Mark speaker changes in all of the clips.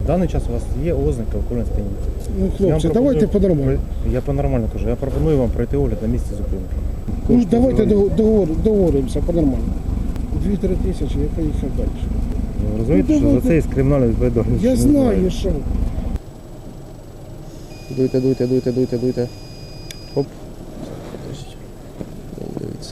Speaker 1: даний час у вас є ознаки алкогольного сп'яніння.
Speaker 2: Ну, хлопці, давайте по-нормальному.
Speaker 1: Я по-нормально кажу. Я пропоную вам пройти огляд на місці зупинки.
Speaker 2: Ну, давайте договоримося по-нормальному. 2-3 тисячі, я поїхав далі.
Speaker 1: Ви розумієте, що за це є кримінальна відповідальність?
Speaker 2: Я знаю, що.
Speaker 3: Дуйте. Оп. Дивіться.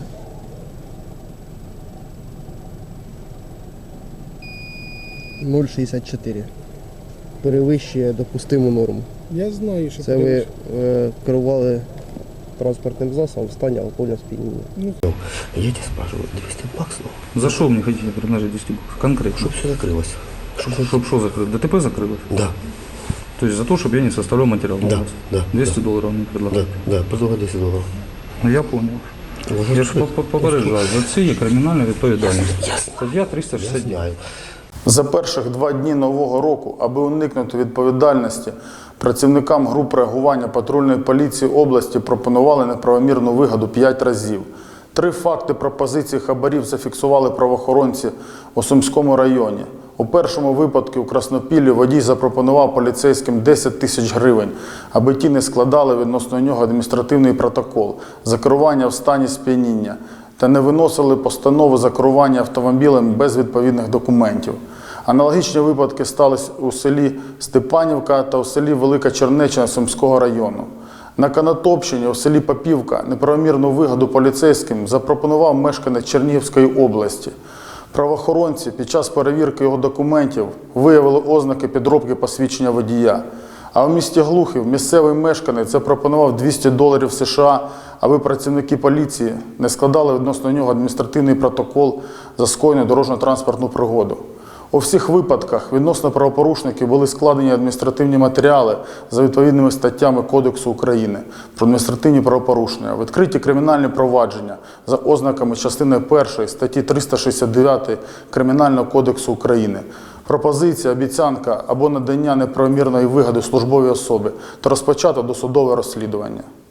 Speaker 3: «0,64. Перевищує допустиму норму.
Speaker 2: Я знаю, що
Speaker 3: Це ви керували транспортним засобом в стані алкогольного сп'яніння.
Speaker 4: Я тебя спрашиваю, 200 баксов?
Speaker 5: За что мне хотите предложить 200 баксов? Конкретно.
Speaker 4: Чтоб все закрылось.
Speaker 5: Чтоб что закрыть? ДТП закрылось?
Speaker 4: Да,
Speaker 5: То есть за то, чтобы я не составлял материал? на
Speaker 4: да,
Speaker 5: вас?
Speaker 4: да.
Speaker 5: 200 долларов мне
Speaker 4: Да,
Speaker 5: предлагают?
Speaker 4: да, предлагаю 10 долларов.
Speaker 5: Ну, я понял. Я ж попереджаю, за це є кримінальна відповідальність. Стаття
Speaker 4: Я
Speaker 5: 369.
Speaker 4: знаю.
Speaker 6: За перших 2 дні Нового року, аби уникнути відповідальності, працівникам груп реагування патрульної поліції області пропонували неправомірну вигоду 5 разів. 3 факти пропозиції хабарів зафіксували правоохоронці у Сумському районі. У першому випадку у Краснопіллі водій запропонував поліцейським 10 тисяч гривень, аби ті не складали відносно нього адміністративний протокол за керування в стані сп'яніння та не виносили постанову за керування автомобілем без відповідних документів. Аналогічні випадки сталися у селі Степанівка та у селі Велика Чернеччина Сумського району. На Конотопщині у селі Попівка неправомірну вигоду поліцейським запропонував мешканець Чернігівської області. Правоохоронці під час перевірки його документів виявили ознаки підробки посвідчення водія. А у місті Глухів місцевий мешканець запропонував 200 доларів США, аби працівники поліції не складали відносно нього адміністративний протокол за скоєну дорожньо-транспортну пригоду. У всіх випадках відносно правопорушників були складені адміністративні матеріали за відповідними статтями Кодексу України про адміністративні правопорушення, відкриті кримінальні провадження за ознаками частини 1 статті 369 Кримінального кодексу України. Пропозиція, обіцянка або надання неправомірної вигоди службовій особі та розпочато досудове розслідування.